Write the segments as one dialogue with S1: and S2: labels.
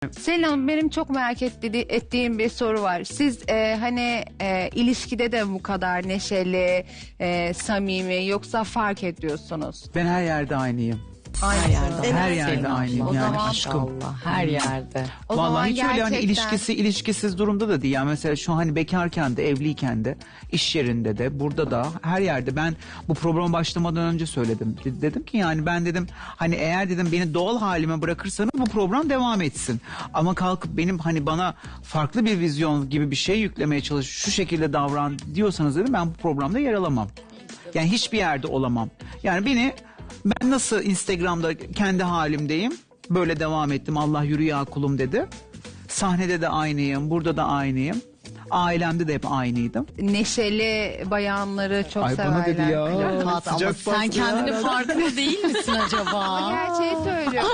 S1: Selin Hanım, benim çok merak ettiğim bir soru var. Siz hani ilişkide de bu kadar neşeli, samimi, yoksa fark ediyorsunuz?
S2: Ben her yerde aynıyım.
S1: Aynı yerde.
S2: Her yerde aynıyım
S3: O
S2: yani
S3: zaman
S2: aşkım.
S3: Allah, her yerde.
S1: O zaman
S2: Vallahi hiç öyle hani
S1: gerçekten-
S2: ilişkisiz durumda da değil. Yani mesela şu hani bekarken de, evliyken de, iş yerinde de, burada da, her yerde. Ben bu programa başlamadan önce söyledim. Dedim ki yani ben dedim hani eğer dedim beni doğal halime bırakırsanız bu program devam etsin. Ama kalkıp benim hani bana farklı bir vizyon gibi bir şey yüklemeye çalış, şu şekilde davran diyorsanız dedim ben bu programda yer alamam. Yani hiçbir yerde olamam. Yani ben nasıl Instagram'da kendi halimdeyim, böyle devam ettim. Allah yürü ya kulum dedi. Sahnede de aynıyım, burada da aynıyım. Ailemde de hep aynıydım.
S1: Neşeli bayanları çok
S2: Ay
S1: severler.
S2: bana dedi ya.
S3: Kat, ama
S2: Sıcak
S3: sen
S2: bastı
S3: kendinin
S2: ya.
S3: farkında değil misin acaba?
S1: Gerçeği söylüyorum.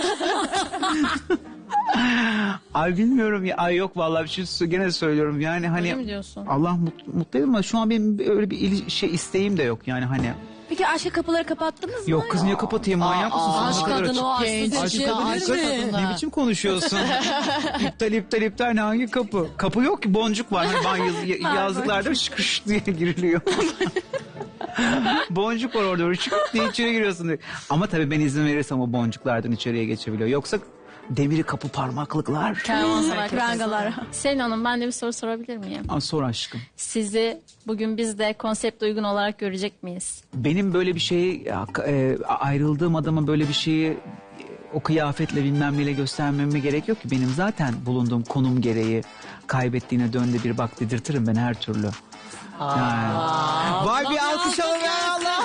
S2: Ay bilmiyorum ya. Ay yok vallahi bir şey gene söylüyorum. Yani hani
S3: Öyle mi diyorsun?
S2: Allah mutlu edin ama şu an benim öyle bir isteğim de yok yani hani.
S4: Peki aşka kapıları kapattınız mı?
S2: Yok kız niye kapatayım manyak mısın?
S3: Aşk
S2: Sonuna kadar
S3: kadını o
S2: açık.
S3: aşksız
S2: Aşk
S3: şey
S2: kadını
S3: aşk
S2: ne
S3: kadını.
S2: biçim konuşuyorsun? İptal ne hangi kapı? Kapı yok ki, boncuk var. Hani ben yazlıklarda şıkış diye giriliyor. Boncuk var orada, şık diye içeri giriyorsun diye. Ama tabii ben izin verirsem o boncuklardan içeriye geçebiliyor. Yoksa demiri kapı parmaklıklar.
S3: Kervansaray
S4: Prangalar.
S5: Selin Hanım, ben de bir soru sorabilir miyim?
S2: Aa, sor aşkım.
S5: Sizi bugün biz de konsept uygun olarak görecek miyiz?
S2: Benim böyle bir şeyi ayrıldığım adama böyle bir şeyi o kıyafetle bilmem neyle göstermeme gerek yok ki. Benim zaten bulunduğum konum gereği kaybettiğine dönde bir bak dedirtirim ben her türlü. Yani. Vay bir alkış alın ya Allah.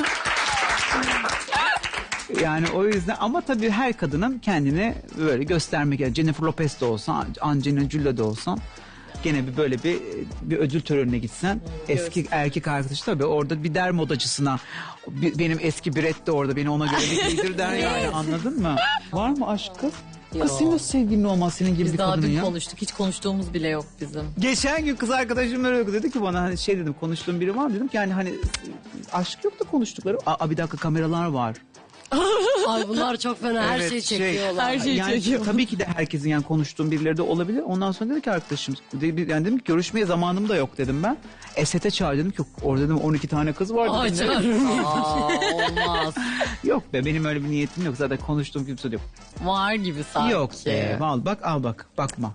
S2: Yani o yüzden ama tabii her kadının kendini böyle göstermek, yani Jennifer Lopez de olsan, Angelina Jolie de olsan gene böyle bir ödül törenine gitsen, eski erkek arkadaş tabii orada bir der modacısına, benim eski Brett de orada, beni ona göre bir giydir der yani, anladın mı? Var mı aşkı? Kız senin nasıl sevgilin olmaz senin gibi
S3: Biz
S2: bir
S3: daha
S2: kadının
S3: dün
S2: ya?
S3: konuştuk. Hiç konuştuğumuz bile yok bizim.
S2: Geçen gün kız arkadaşım öyle dedi ki bana, hani şey dedim, konuştuğum biri var mı dedim ki yani hani aşk yok da konuştukları. Aa bir dakika, kameralar var.
S3: Ay bunlar çok fena, her
S2: Evet,
S3: şeyi çekiyorlar.
S5: Her şeyi
S2: yani
S5: çekiyor.
S2: tabii ki de herkesin yani konuştuğum birileri de olabilir. Ondan sonra dedi ki arkadaşım, yani dedim ki görüşmeye zamanım da yok dedim ben. Esete çağır dedim ki orada dedim 12 tane kız var
S3: Ay
S2: dedim.
S3: canım. Olmaz.
S2: Yok be, benim öyle bir niyetim yok, zaten konuştuğum kimse de yok.
S3: Var gibi sanki.
S2: Yok be, al bak bakma.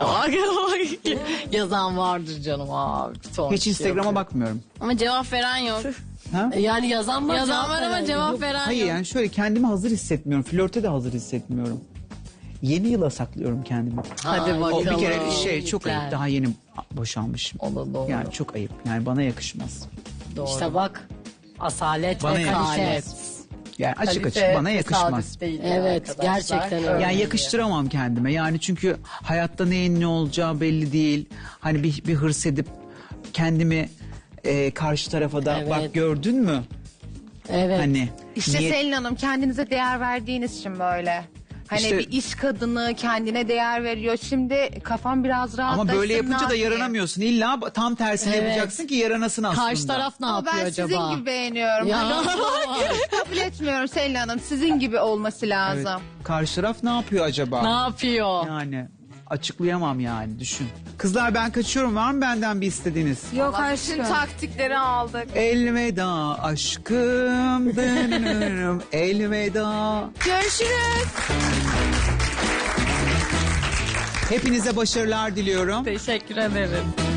S3: Yazan vardır canım abi. Son
S2: Hiç
S3: şey
S2: Instagram'a
S3: yok.
S2: bakmıyorum.
S5: Ama cevap veren yok.
S2: Ha?
S3: Yani yazan var.
S5: Yazan var ama cevap veren
S2: Hayır
S5: yok.
S2: yani şöyle, kendimi hazır hissetmiyorum. Flörte de hazır hissetmiyorum. Yeni yıla saklıyorum kendimi.
S3: Hadi
S2: O
S3: bakalım.
S2: bir kere şey çok ayıp.
S3: Güzel.
S2: Daha yeni boşanmışım.
S3: O da doğru.
S2: Yani çok ayıp. Yani bana yakışmaz.
S3: Doğru. İşte bak. Asalet
S2: Bana
S3: ve kalite.
S2: yakışmaz. Yani açık
S3: Kalite
S2: bana yakışmaz.
S3: tesadüf değil evet
S4: arkadaşlar.
S3: gerçekten öyle.
S2: Yani yakıştıramam kendime. Yani çünkü hayatta neyin ne olacağı belli değil. Hani bir hırs edip kendimi karşı tarafa da
S3: Evet.
S2: bak gördün mü?
S3: Evet.
S2: Hani
S1: İşte
S2: niye-
S1: Selin Hanım, kendinize değer verdiğiniz için böyle. Hani
S2: İşte-
S1: bir iş kadını kendine değer veriyor. Şimdi kafam biraz rahatlasın.
S2: ama böyle
S1: ne
S2: yapınca da
S1: yapayım?
S2: yaranamıyorsun. İlla tam tersini
S3: Evet.
S2: yapacaksın ki yaranasın aslında.
S3: Karşı taraf ne
S1: Ama
S3: yapıyor
S1: ben
S3: acaba?
S1: sizin gibi beğeniyorum.
S3: Ya.
S1: Kabul etmiyorum Selin Hanım. Sizin gibi olması lazım.
S2: Evet. Karşı taraf ne yapıyor acaba?
S3: Ne yapıyor?
S2: Yani açıklayamam yani, düşün. Kızlar ben kaçıyorum, var mı benden bir istediğiniz?
S1: Yok
S4: Bütün taktikleri aldık.
S2: Elveda aşkım, dönürüm, elveda.
S4: Görüşürüz.
S2: Hepinize başarılar diliyorum.
S3: Teşekkür ederim.